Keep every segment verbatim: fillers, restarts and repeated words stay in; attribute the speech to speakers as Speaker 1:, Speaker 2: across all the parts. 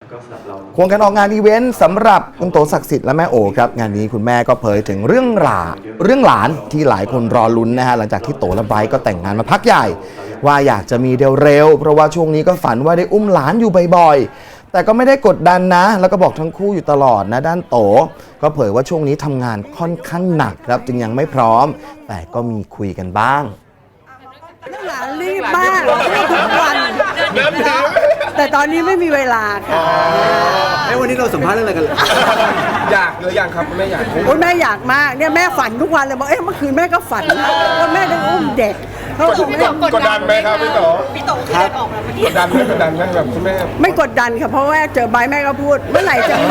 Speaker 1: ควงกันออกงานอีเวนต์สำหรับคุณโตศักดิ์สิทธิ์และแม่โอครับงานนี้คุณแม่ก็เผยถึงเรื่องหลาเรื่องหลานที่หลายคนรอลุ้นนะฮะหลังจากที่โตและไบรท์ก็แต่งงานมาพักใหญ่ว่าอยากจะมีเร็วๆเพราะว่าช่วงนี้ก็ฝันว่าได้อุ้มหลานอยู่บ่อยๆแต่ก็ไม่ได้กดดันนะแล้วก็บอกทั้งคู่อยู่ตลอดนะด้านโตก็เผยว่าช่วงนี้ทำงานค่อนข้างหนักครับจึงยังไม่พร้อมแต่ก็มีคุยกันบ้าง
Speaker 2: หลานรีบมากทุกวันแต่ตอนนี้ไม่มีเวลาค่ะ
Speaker 3: ไอ้วันนี้เราสัมภาษณ์เรื่องอะไรกันเลย
Speaker 4: อยากหรือยังครับแม่อยาก
Speaker 2: โอ้ยแม่อยากมากเนี่ยแม่ฝันทุกวันเลยบอกเอ๊ะเมื่อคืนแม่ก็ฝันนะว่าแม่ได้อุ้มเด็กเขาบอกแม่
Speaker 4: กดดันไหมครับพี่โต
Speaker 5: พี่โตที่ได้ออกมาเมื่อกี้
Speaker 4: กดดันไหมกดดันไหมแบบคุณแม่
Speaker 2: ไม่กดดันค่ะเพราะว่าเจอใบแม่ก็พูดเมื่อไหร่จะมี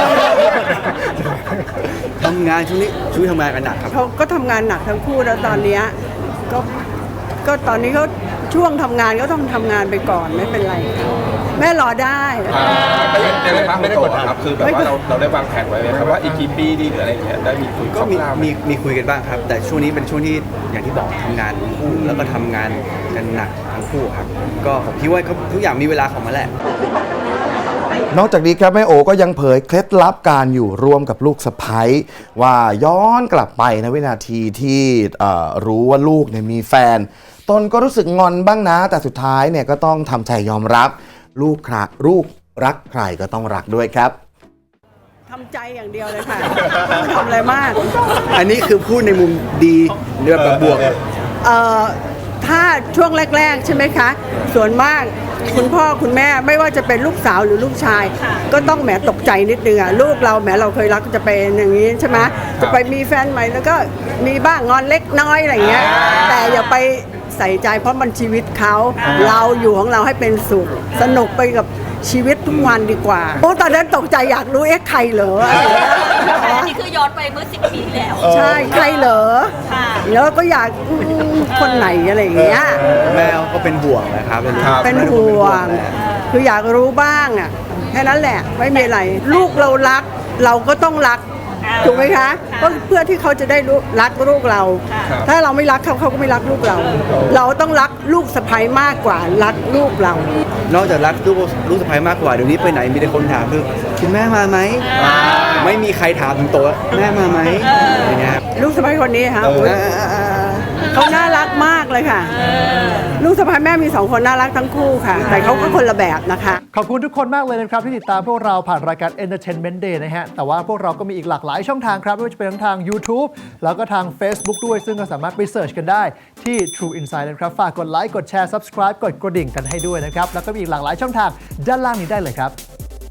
Speaker 3: ทำงานช่วงนี้ช่วยทำงานกันหนักครับ
Speaker 2: เขาก็ทำงานหนักทั้งคู่แล้วตอนนี้ก็ก็ตอนนี้เขาช่วงทำงานก็ต้องทำงานไปก่อนไม่เป็นไรแม่รอได้
Speaker 4: ไม่ได้ไม่ได้กดดันครับคือแบบว่าเราเราได้วางแผนไว้ไหมครับว่าอีกกี่ปีดีหรืออะไรอย่างเงี้ยได้มีคุย
Speaker 3: ก็มีมีมีคุยกันบ้างครับแต่ช่วงนี้เป็นช่วงที่อย่างที่บอกทำงานคู่แล้วก็ทำงานกันหนักทั้งคู่ครับก็ผมคิดว่าทุกอย่างมีเวลาของมันแหละ
Speaker 1: นอกจากนี้ครับแม่โอก็ยังเผยเคล็ดลับการอยู่ร่วมกับลูกสะใภ้ว่าย้อนกลับไปในวินาทีที่รู้ว่าลูกเนี่ยมีแฟนตนก็รู้สึกงอนบ้างนะแต่สุดท้ายเนี่ยก็ต้องทำใจยอมรับลูกคราลูกรักใครก็ต้องรักด้วยครับ
Speaker 2: ทำใจอย่างเดียวเลยค่ะไม่ทำอะไรมาก
Speaker 3: อันนี้คือพูดในมุมดีเรื่องแบบบวก
Speaker 2: เอ่อถ้าช่วงแรกๆใช่ไหมคะส่วนมากคุณพ่อคุณแม่ไม่ว่าจะเป็นลูกสาวหรือลูกชายก็ต้องแหมตกใจนิดนึงอ่ะลูกเราแหมเราเคยรักจะเป็นอย่างนี้ใช่ไหมจะไปมีแฟนใหม่แล้วก็มีบ้างงอนเล็กน้อยอะไรเงี้ยแต่อย่าไปใส่ใจเพราะมันชีวิตเขาเราอยู่ของเราให้เป็นสุขสนุกไปกับชีวิตทุกวันดีกว่าโอ้ตอนนั้นตกใจอยากรู้เอ๊ะใครเหรอ
Speaker 5: อันนี้คือย้อนไปเมื่อสิบปีแล้ว
Speaker 2: ใช่ใครเหรอแล้วก็อยากคนไหนอะไรอย่างเงี้ย
Speaker 3: แม่ก็เป็นห่วงนะครับ
Speaker 2: เป็นห่วงคืออยากรู้บ้างอ่ะแค่นั้นแหละไม่มีอะไรลูกเรารักเราก็ต้องรักถูกไหมคะก็เพื่อที่เขาจะได้รักลูกเราถ้าเราไม่รักเขาเขาก็ไม่รักลูกเรา เราต้องรักลูกสะใภ้มากกว่ารักลูกเรา
Speaker 3: นอกจากรักลูกลูกสะใภ้มากกว่าเดี๋ยวนี้ไปไหนมีแต่คนถามคือคุณแม่มาไหมไม่มีใครถามถึงโตแม่มาไหมอย่างเงี้ย
Speaker 2: ลูกสะใภ้คนนี้ค่ะเขาน่ารักมากเลยค่ะลูกสะใภ้แม่มีสองคนน่ารักทั้งคู่ค่ะแต่เขาก็คนละแบบนะคะ
Speaker 6: ขอบคุณทุกคนมากเลยนะครับที่ติดตามพวกเราผ่านรายการ Entertainment Day นะฮะแต่ว่าพวกเราก็มีอีกหลากหลายช่องทางครับไม่ว่าจะเป็นทั้งทาง YouTube แล้วก็ทาง Facebook ด้วยซึ่งก็สามารถไปเสิร์ชกันได้ที่ True Insight นะครับฝากกดไลค์กดแชร์ Subscribe กดกระดิ่งกันให้ด้วยนะครับแล้วก็มีอีกหลากหลายช่องทางด้านล่างนี้ได้เลยครับ